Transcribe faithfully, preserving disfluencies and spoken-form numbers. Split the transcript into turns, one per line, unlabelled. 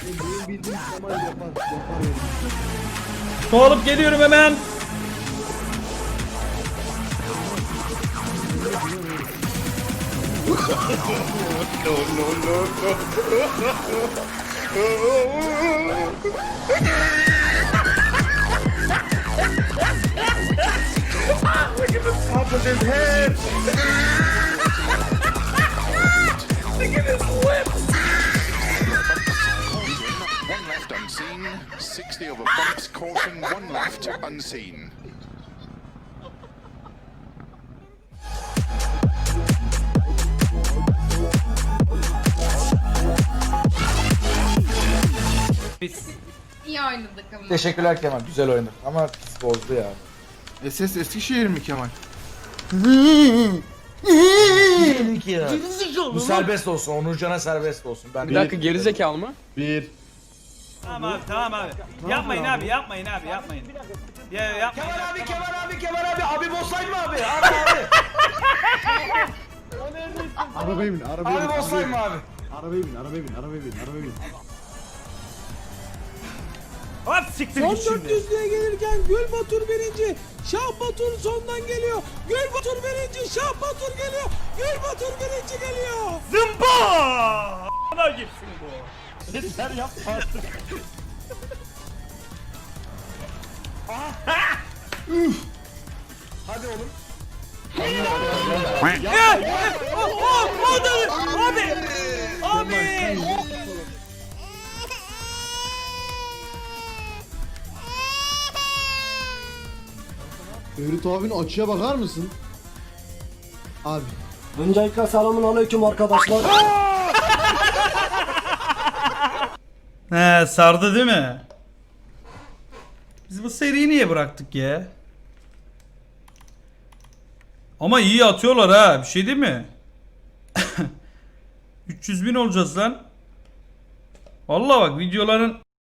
Benim bildiğim Kemal yapar. Yapar öyle.
Su alıp geliyorum hemen.
One left unseen, sixty over bumps, caution, one left unseen.
Biz.
İyi oynadık ama.
Teşekkürler Kemal. Güzel oynadık ama pis bozdu ya.
S S Eskişehir mi Kemal?
Bu serbest olsun. Onurcan'a serbest olsun. Ben
Bir dakika gerizekalı mı?
Bir.
Tamam abi tamam abi. Yapmayın abi yapmayın abi yapmayın. Ya yapmayın.
Kemal abi, Kemal abi, Kemal abi. Abi bosslayın mı abi? Abi abi.
Arabaya bin, arabaya bin.
Abi bosslayın mı abi?
Arabaya bin, arabaya bin, arabaya bin, arabaya bin.
Hop siktir
Son
git şimdi.
dört yüzlüğe gelirken Gül Batur birinci. Şah Batur sondan geliyor. Gül Batur birinci. Şah Batur geliyor. Gül Batur birinci geliyor.
Zımba! Ana gitsin bu. Yeter yapma artık.
Hadi oğlum.
Ya! O, o, o da abi. Abi.
Ferit abinin açıya bakar mısın? Abi.
Öncelikle selamun aleyküm arkadaşlar.
He sardı değil mi? Biz bu seriyi niye bıraktık ya? Ama iyi atıyorlar ha. Bir şey değil mi? üç yüz bin olacağız lan. Vallahi bak videoların